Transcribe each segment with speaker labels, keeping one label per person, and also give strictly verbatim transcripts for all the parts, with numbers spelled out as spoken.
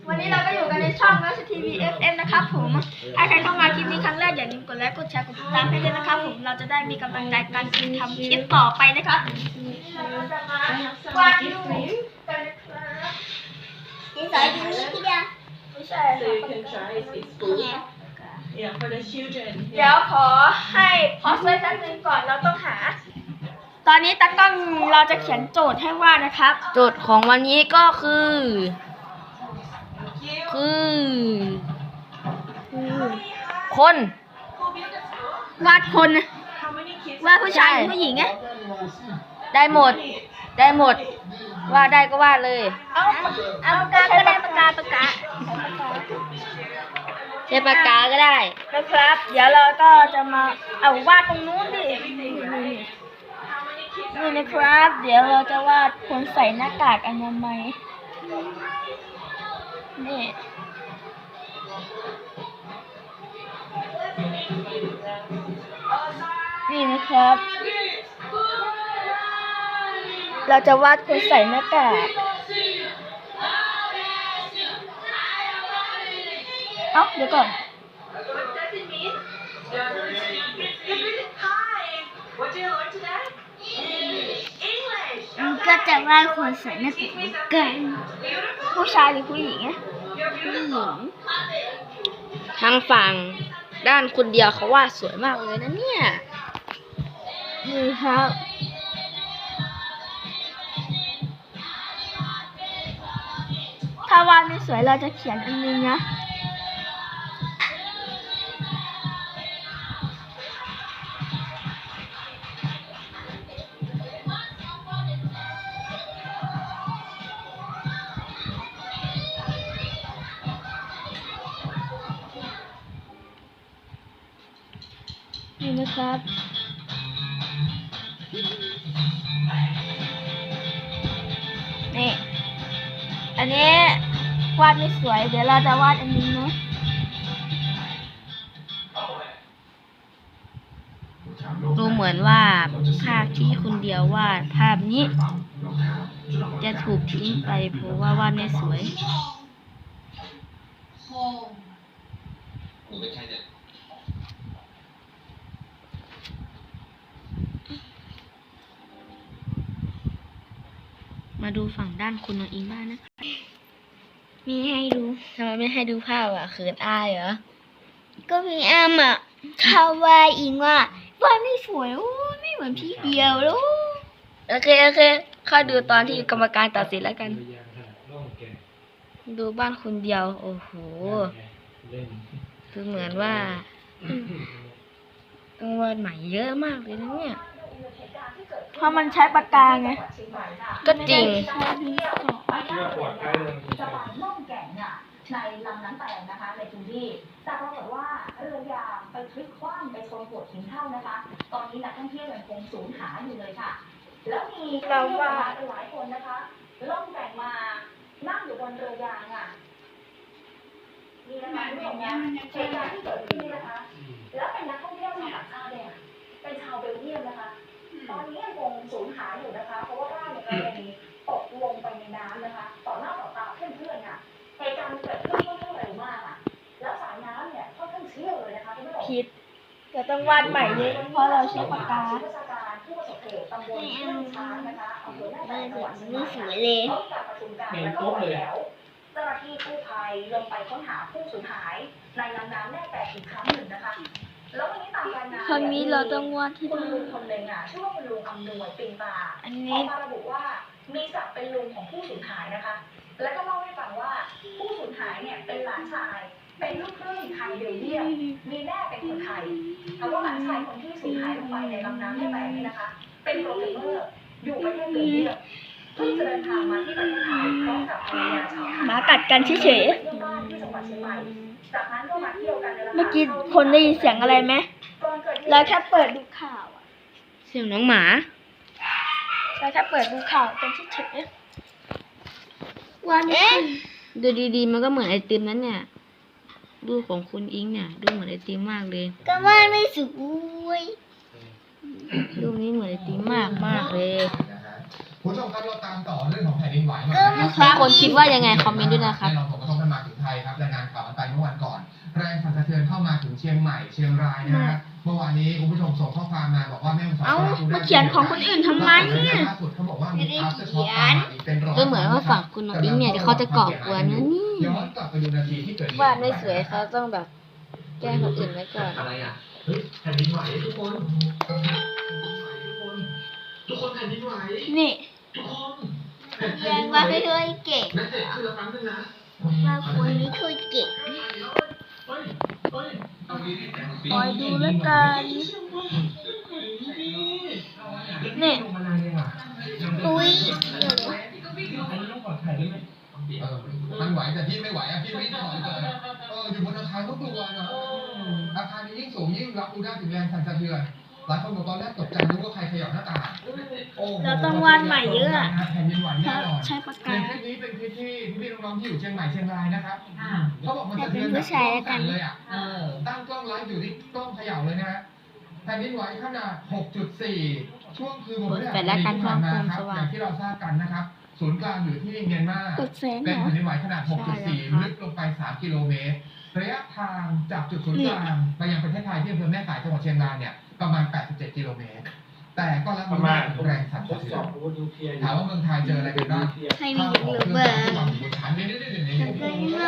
Speaker 1: วันนี้เราก็อยู่กันในช่องรัชทีวี เอฟ เอ็ม นะครับผมถ้าใครเข้ามาคลิปนี้ครั้งแรกอย่าลืมกดไลค์กดแชร์กดติดตามให้ด้วยนะครับผมเราจะได้มีกำลังใจการทำคลิปต่อไปนะครับวาดรูปกันนะครับนี่สายดีนี้ทีเดียวไม่ใช่
Speaker 2: So you can try it school. Yeah, for the children.
Speaker 1: เดี๋ยวขอให้พอสไว้แป๊บนึงก่อนเราต้องหาตอนนี้ตากล้องเราจะเขียนโจทย์ให้ว่านะครับ
Speaker 3: โจทย์ของวันนี้ก็คือคือคน
Speaker 1: วาดคน
Speaker 2: How many kids?
Speaker 1: วาดผู้ชายหรือผู้หญิงไง
Speaker 3: ได้หมดได้หมดว่าได้ก็วาดเลย
Speaker 1: เอาเอาปากกาก็ได้ปากกาปากกา
Speaker 3: ใช้ปากกาก็ได้
Speaker 1: นะครับ เดี๋ยวเราก็จะมาเอาวาดตรงนู้นดินี่นะครับ เดี๋ยวเราจะวาดคนใส่หน้ากากอนามัยนี่นี่นะครับ เราจะวาดคนใส่หน้ากากเอ้าเดี๋ยวก่อน
Speaker 2: What does it mean? Hi. What did you learn today? English.
Speaker 1: ก็จะวาดคนใส่หน้ากากกันผู้ชายหรือผู้หญิงอะผู้หญิง
Speaker 3: ทางฝั่งด้านคนเดียวเขาวาดสวยมากเลยนะเนี่ย
Speaker 1: นี่ครับ ถ้าวาดไม่สวยเราจะเขียนอันนึงนะนี่นะครับ นี่ อันนี้วาดไม่สวย เดี๋ยวเราจะวาดอันนี้เนาะ
Speaker 3: ดูเหมือนว่าภาพที่คนเดียววาดภาพนี้ จะถูกทิ้งไปเพราะว่าวาดไม่สวย มาดูฝั่งด้านคุณน้องอิงบ้างนะคะ
Speaker 1: มีให้ดู
Speaker 3: ทำไมไม่ให้ดูภาพอ่ะเขินอายเหรอ
Speaker 1: ก็มีอ้ำอ่ะเขาว่าอิงว่าวาดไม่สวยโอ้ยไม่เหมือนพี่เดียวแล้ว
Speaker 3: โอเคโอเคเข้าดูตอนที่กรรมการตัดสินแล้วกัน ดูบ้านคนเดียว โอ้โหดูเหมือนว่าต้องวาดใหม่เยอะมากเลยนะเนี่ย
Speaker 1: เพราะมันใช้ปากกาไง
Speaker 3: ก็จริง
Speaker 1: ใช้ดินสอ
Speaker 4: สะพานล่องแก่งน่ะในลำน้ำแตงนะคะในพื้นที่แต่ปรากฏว่าเรือยางไปพลิกคว่ำไปชนโขดหินเท่านะคะตอนนี้นักท่องเที่ยวยังคงสูญหายอยู่เลยค่ะแล้วมีนักท่องเที่ยวมาหลายคนนะคะล่องแก่งมานั่งอยู่บนเรือยางอ่ะนี่นะคะคุณผู้ชมนะเหตุการณ์ที่เกิดขึ้นนี่นะคะแล้วเป็นนักท่องเที่ยวชาวต่างชาติเนี่ยเป็นชาวเบลเยียมนะคะตอนนี้ยังคงสูญหายอยู่นะคะเพราะว่าร่างเนี่ยกระเด็นตกลงไปในน้ำนะคะต่อหน้าต่อตาเพื่อนๆค่ะเหตุการณ์เกิดขึ้นค่อนข้างเร็วมากอ่ะแล้วสายน้ำเนี่ยค่อนข้างเชี่ยวเลยนะคะคุณผู้ชม
Speaker 1: ผิดจะต้องวาดใหม่เลยเพราะเราใช้ปากกา
Speaker 4: ผู้บัญชาการผู้ประสบเหตุตำบลห้วยช้างนะคะอำเภอแม่แตงจังหวัดเชียงใหม่
Speaker 1: ไม่สวยเลย
Speaker 4: พร้อมกับประชุมการและก็วางแถวเจ้าหน้าที่กู้ภัยลงไปค้นหาผู้สูญหายในลำน้ำแม่แตงอีกครั้งหนึ่งนะคะแล้ววันนี้ตามรายงาน
Speaker 1: ครั้งนี้เราต้องวาดที่
Speaker 4: คุณ
Speaker 1: ดู
Speaker 4: ลุงคนหนึ่งอ่ะชื่อว่าคุณลุงอำนวยปิงตา
Speaker 1: อัน
Speaker 4: อ
Speaker 1: นี้
Speaker 4: อกมาระบุว่ามีศักดิ์เป็นลุงของผู้สูญหายนะคะ แล้วก็เล่าให้ฟังว่าผู้สูญหายเนี่ยเป็นหลานชายเป็นลูกครึ่งไทยเบลเยียมมีแม่เป็นคนไทยแต่ว่าหลานชายคนที่สูญหายลงไปในลำน้ำแม่แตงนี่นะคะ เป็นโปรแกรมเมอร์อยู่ประเทศเบลเยียมเพิ่งจะเดินทางมาที่ประเทศไทยพร้อมกับภรรยาชาวไทย
Speaker 1: หมากัดกันเฉย
Speaker 4: เยี่ยมบ้านที่จังหวัดเชียงใหม่จากนั้นก็มาเที่ยวกันใน
Speaker 1: ๆเมื่อกี้คนได้ยินเสียงอะไรไหม
Speaker 4: ก่อนเกิดเหตุ
Speaker 1: เราแค่เปิดดูข่าวอะ
Speaker 3: เสียงน้องหมา
Speaker 1: เราแค่เปิดดูข่าวกันเฉยๆวันนี้
Speaker 3: ดูดีๆมันก็เหมือนไอติมนั้นเนี่ย ดูของคุณอิงเนี่ย ดูเหมือนไอติมมากเลย
Speaker 1: ก็วาดไม่สวย
Speaker 3: รูปนี้เหมือนไอติมมากมากเลย
Speaker 5: นะฮะคุณผู้ชมครับเราตามต่อเรื่องของแผ่นดินไหวมา
Speaker 3: ทุกคนคิดว่ายังไงคอมเมนต์ด้วยนะครับ
Speaker 5: แน่นอนผลกระทบมันมาถึงไทยครับรายงานข่าวกันไปเมื่อวันก่อน แรงสั่นสะเทือนเข้ามาถึงเชียงใหม่เชียงรายนะฮะเมื่อวานนี้คุณผู้ชมส่งข้อความมาบอกว่าแม่ฮ่องสอน
Speaker 1: เอ้ามาเขียนของคนอื่นทำไมเนี่ย
Speaker 5: ล่าสุดเขาบอกว่ามี after shock ตามมาอีกเป็นร้อย
Speaker 3: ก็เหมือนว่าฝั่งคุณน้องอิงเนี่ยเขาจะก่อกวนนะนี่
Speaker 5: ย้อนกลับไปดูนาทีที่เกิดเหตุ
Speaker 3: วาดไม่สวยเขาต้องแบบแกล้งคนอื่นไว้ก่อน
Speaker 5: อะไรอ่ะเฮ้ยแผ่นดินไหวทุกคนทุกคนแผ่นดินไหว
Speaker 1: นี่
Speaker 5: ทุกคน
Speaker 1: เรียนว่าไม่เคยเก่ง
Speaker 5: นักเตะคือละครั้งนึงนะ
Speaker 1: ว่าคนนี้เคยเก่ง
Speaker 5: เฮ้ยเฮ้ย
Speaker 1: คอยดูแล้วกันนี่
Speaker 5: ลงมานานเลยอ่ะ
Speaker 1: อุ้ย
Speaker 5: อันนี้ต้องกอดไข่ได้ไหมเออมันไหวแต่พี่ไม่ไหวอ่ะพี่ไม่ถอยเลยเอออยู่บนอาคารก็กลัวนะอาคารนี้ยิ่งสูงยิ่งรับรู้ได้ถึงแรงสั่นสะเทือนหลายคนบอกตอนแรกตกใจนึกว่าใครขยับหน้าต่างโอ้โห
Speaker 1: เราต้องวาดใหม่เยอะอะ
Speaker 5: แผ่นดินไหวแน่นอน
Speaker 1: ใช้ปาก
Speaker 5: ใน
Speaker 1: กา
Speaker 5: คลิปนี้เป็นคลิปที่พี่ๆน้องๆที่อยู่เชียงใหม่เชียงรายนะครับเขาบอกมัน
Speaker 1: แต่
Speaker 5: สะ
Speaker 1: เป็
Speaker 5: เทื
Speaker 1: น
Speaker 5: อน
Speaker 1: ผู้ชายแล้วกัน
Speaker 5: เลยอ่ะตั้งกล้องไลฟ์อยู่ที่กล้องเขย่าเลยนะฮะแผ่นดินไหวขนาด หกจุดสี่ ช่วงคืนวันพฤหัสบดีที่ผ่านมาครับอย่างที่เราทราบกันนะครับศูนย์กลางอยู่ที่เมียนมาก
Speaker 1: ดแสง
Speaker 5: เป็น
Speaker 1: เหรอ
Speaker 5: แผ่นดินไหวขนาด หกจุดสี่ ลึกลงไป สาม กิโลเมตร ระยะทางจากจุดศูนย์กลางไปยังประเทศไทยที่อำเภอแม่สายจังหวัดเชียงรายเนี่ยประมาณ แปดสิบเจ็ด กิโลเมตร แต่ก็รับรู้ได้ถึงแรงสั่นสะเทือนถามว่าเมืองไทยเจออะไรกันบ้าง
Speaker 1: ใครมีหรือเปล่า
Speaker 5: ชั้นนี้นี่นี่นี่นี่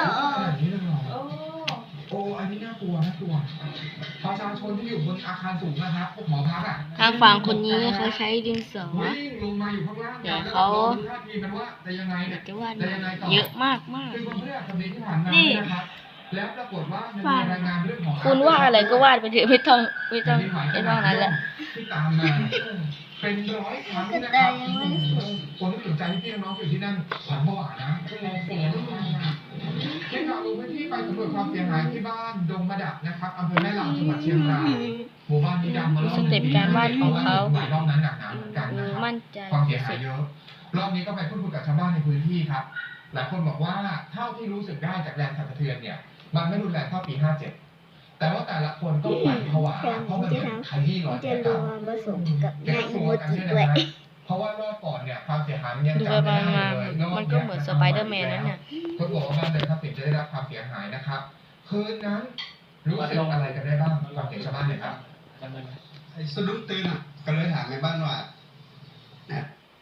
Speaker 5: โอ้อันนี้น่ากลัวน่ากลัวประชาชนที่อยู่บนอาคารสูงนะครับพวกหอพักอ่ะ
Speaker 3: ทางฝั่งคนนี้เขาใช้ดินสอ
Speaker 5: วิ่งลงมาอยู่ข้างล่าง
Speaker 3: เดี๋ยวเขา
Speaker 5: ท่าทีมันว่าจะยังไงเนี่ย
Speaker 3: จะวาดเยอะมากมาก
Speaker 5: คือวันพฤหัสบดีที่ผ่านมา
Speaker 1: นี่
Speaker 5: นะครับแล้วปรากฏว่ามันมีรายงานเรื่องของ
Speaker 3: คุณว่าอะไรก็วาดไปเถอะไม่ต้องไม่ต้องไม่ต้องนั้นแหละ
Speaker 5: ที่ตามมาเป็นร้อยครั้งนะครับคนที่สนใจพี่น้องอยู่ที่นั่นขวัญผวานะเสียงทีมข่าวลงพื้นที่ไปสำรวจความเสียหายที่บ้านดงมะดักนะครับอำเภอแม่ลาวจังหวัดเชียงรายหมู่บ้านนี้ดังมารอบ
Speaker 3: สเต็ปการวาดของเขา
Speaker 5: รอบนั้นหนักหนาเหมือนกันนะครับ
Speaker 3: มั่นใจ
Speaker 5: ความเสีย
Speaker 3: ที่
Speaker 5: หา
Speaker 3: สุ
Speaker 5: ย
Speaker 3: ด
Speaker 5: เยอะ รอบนี้ก็ไปพูดคุยกับชาวบ้านในพื้นที่ครับ หลายคนบอกว่าเท่าที่รู้สึกได้จากแรงสั่นสะเทือนเนี่ย มันไม่รุนแรงเท่าปีห้าเจ็ด แต่ว่าแต่ละคนก็ขวัญผวาเพราะมันเหมือนขยี้รอยแผล
Speaker 1: จะร
Speaker 5: เก่าว
Speaker 1: มผสมกับ
Speaker 5: แก
Speaker 1: นาย
Speaker 5: ก็ก
Speaker 1: โม
Speaker 5: ลัวกัน
Speaker 1: จิ
Speaker 5: ใช่ไหม
Speaker 1: ด้วย
Speaker 5: ฮะเพราะว่ารอบก่อนเนี่ยความเสียหายมันยัง
Speaker 3: ดู
Speaker 5: จำ
Speaker 3: ไป
Speaker 5: ไม่ได้
Speaker 3: มา
Speaker 5: เลยรอบ
Speaker 3: มันก็เหมือนสไปเดอร์แมนนั่นน่ะ
Speaker 5: คนบอกว่าบ้านเรือนทรัพย์สินจะได้รับความเสียหายนะครับ คืนนั้นรู้สึกอะไรกันได้บ้างฟังเสียงชาวบ้านหน่อยครับ
Speaker 6: ไอ้สะดุ้งตื่นอ่ะก็เลยถามในบ้านว่าเนี่ย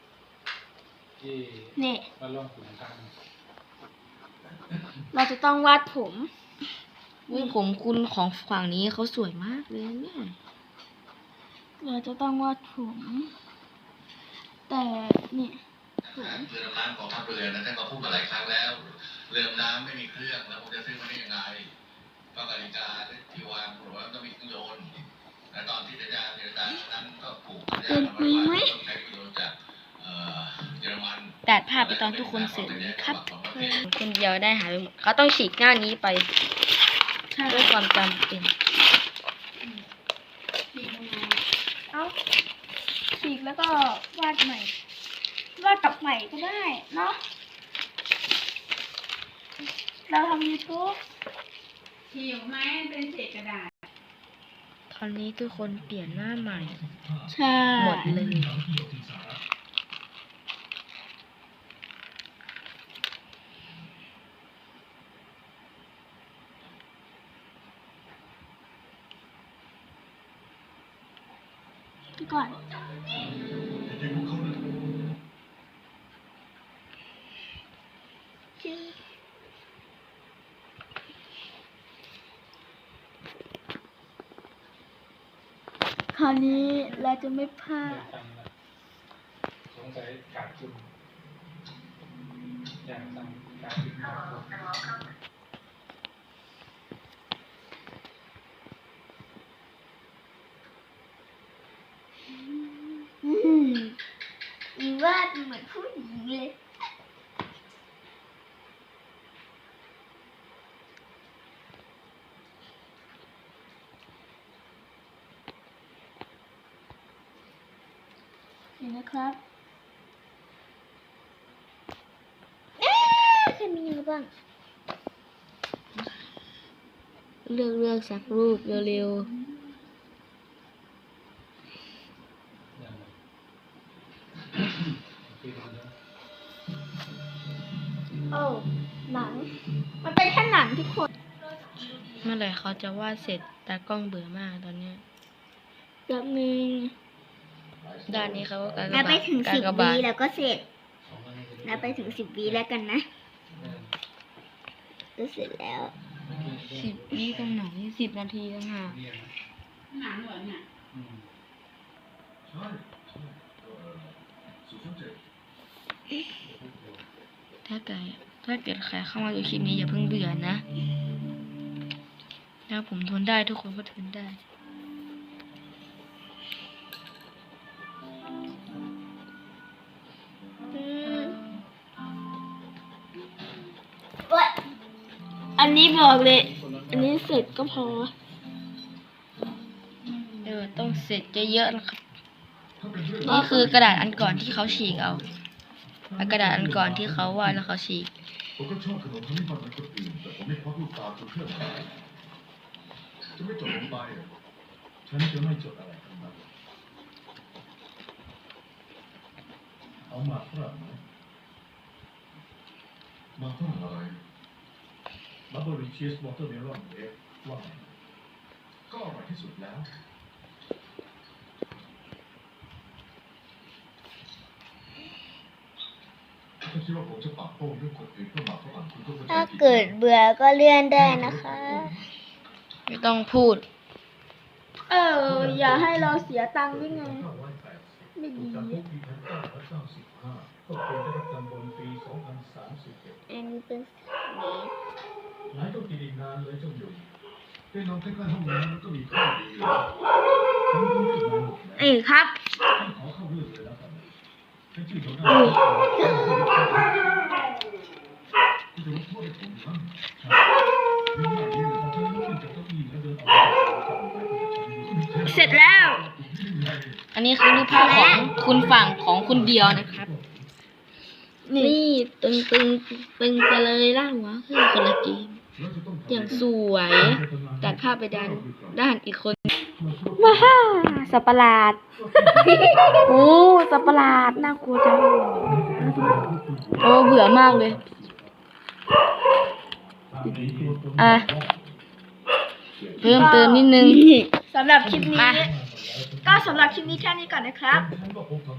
Speaker 1: นี่
Speaker 7: มาลองขุนทาง
Speaker 1: เราจะต้องวาดผม
Speaker 3: วิผมคุณของฝั่งนี้เขาสวยมากเลยเนี่ย
Speaker 1: เราจะต้องวาดผม แต่นี่
Speaker 8: เรือดำน้ำของทัพเรือนะท่านก็พูดมาหลายครั้งแล้ว เรือดำน้ำไม่มีเครื่องแล้วผมจะซื้อมาได้ยังไงก็นาฬิกาที่วางบอกว่าต้องมีเครื่องยนต์และตอนที่สัญญาเจรจานั้นก็ผูกสัญญากันไว้ว่าต้องใช้เครื่องยนต์จากเอ่อเยอรมัน
Speaker 3: ตัดภาพไปตอนทุกคนเสร็จครับคนเดียวได้หายไปหมดเขาต้องฉีกหน้านี้ไปด้วยความจำเป็น
Speaker 1: เอ้าฉีกแล้วก็วาดใหม่ วาดกับใหม่ก็ได้เนาะ เราทำ YouTube
Speaker 2: ฉีกไหมเป็นเศษกระดาษ
Speaker 3: ตอนนี้ทุกคนเปลี่ยนหน้าใหม่
Speaker 1: ใช่
Speaker 3: หมดเลย
Speaker 1: ไปก่อน คราวนี้เราจะไม่พลาด
Speaker 7: สงสัยขาดทุนอยากสั่งขาดทุนขาดทุน
Speaker 1: อืมอีวาดเหมือนผู้หญิงเลยเห็นนะครับเอ๊ะใครมีอะไรบ้าง
Speaker 3: เลือกเลือกสักรูปเร็ว
Speaker 7: อย่างไรโอเค
Speaker 1: มันเป็นแค่หนังทุกคน
Speaker 3: เมื่อไหร่เขาจะวาดเสร็จตากล้องเบื่อมากตอนเนี้ย
Speaker 1: แป๊บนึง
Speaker 3: ด้านนี้เขาก็การก
Speaker 1: นั
Speaker 3: ระ
Speaker 1: บไป
Speaker 3: บาด
Speaker 1: ถึง
Speaker 3: กา
Speaker 1: สิ
Speaker 3: ร
Speaker 1: บ
Speaker 3: กระ
Speaker 1: วี
Speaker 3: บาด
Speaker 1: แล้วก็เสร็จนับไปถึงสิบวีแล้วกันนะก็เสร็จแล้ว
Speaker 3: สิบวิตรงไหนสิบนาทีต่างหาก ถ้าเกิดถ้าเกิดใครเข้ามาดูคลิปนี้อย่าเพิ่งเบื่อนะถ้าผมทนได้ทุกคนก็ทนได้
Speaker 1: อืมเว้ยอันนี้บอกเลย อันนี้เสร็จก็พอ
Speaker 3: เออต้องเสร็จเยอะๆนะครับ นี่คือกระดาษอันก่อนที่เขาฉีกเอาเอากระดาษอันก่อนที่เขาวาดแล้วเขาฉีก
Speaker 5: ผมก็ชอบขนมทำให้มันเหมือนคนอื่นแต่ผมไม่ควักลูกตาจนเพื่อนหายจะไม่จดลงไปอ่ะฉันจะไม่จดอะไรทั้งนั้นเอาหมากฝรั่งไหมหมากฝรั่งอะไรบับเบิ้ลชีสวอเตอร์เมลอนเอฟว่าไงก็อร่อยที่สุดแล้วถ้าคิดว่าผมจะปากโป้งเรื่องคนอื่นเพื่อหมากฝรั่งคุณก็เข้าใจ
Speaker 1: ถ้า
Speaker 5: ผิด
Speaker 1: เกิดเบื่อก็เลื่อนได้นะคะ
Speaker 3: ไม่ต้องพูด
Speaker 1: เออ อย่าให้เราเสียตังค์ด้วยไง ไม่ดี
Speaker 5: จำคุกปีพันเก้าร้อยเก้าสิบห้าก็เป็นได้รับจำนวนปีสองพันสามสิบเอ็ด
Speaker 1: อันนี้เป็นสี
Speaker 5: หลายต้องกินอีกนานเลยเจ้าหยงได้นอนใกล้ๆห้องน้ำมันก็มีข้อดีอยู่ฉันรู้เรื่องมาหมดแล้ว
Speaker 1: เอ้ยครับ
Speaker 5: ฉันขอเข้าเรื่องเลยแล้วกันฉันชื่อหัวหน้าที่จะลดโทษให้ผมบ้างใช่ยิ่งใหญ่ยิ่งเลยถ้าฉันลุกขึ้นจากเก้าอี้แล้วเดินออกไป
Speaker 1: เสร็จแล้ว
Speaker 3: อันนี้คือรูปภาพของคุณฝั่งของคุณเดียวนะครับ นี่ตึงตึงตึงไปเลยล่าหัวคือคนละเกมอย่างสวยตัดภาพไปด้านด้านอีกคนว้าสัตว์ประหลาด โอ้สัตว์ประหลาดน่ากลัวจังโอ้เบื่อมากเลย อ่ะ เพิ่มเติมนิดนึง
Speaker 1: สำหรับคลิปนี้
Speaker 3: มา
Speaker 1: ก็สำหรับคลิปนี้แค่นี้ก่อนนะครับ
Speaker 5: ฉันก็พบกับ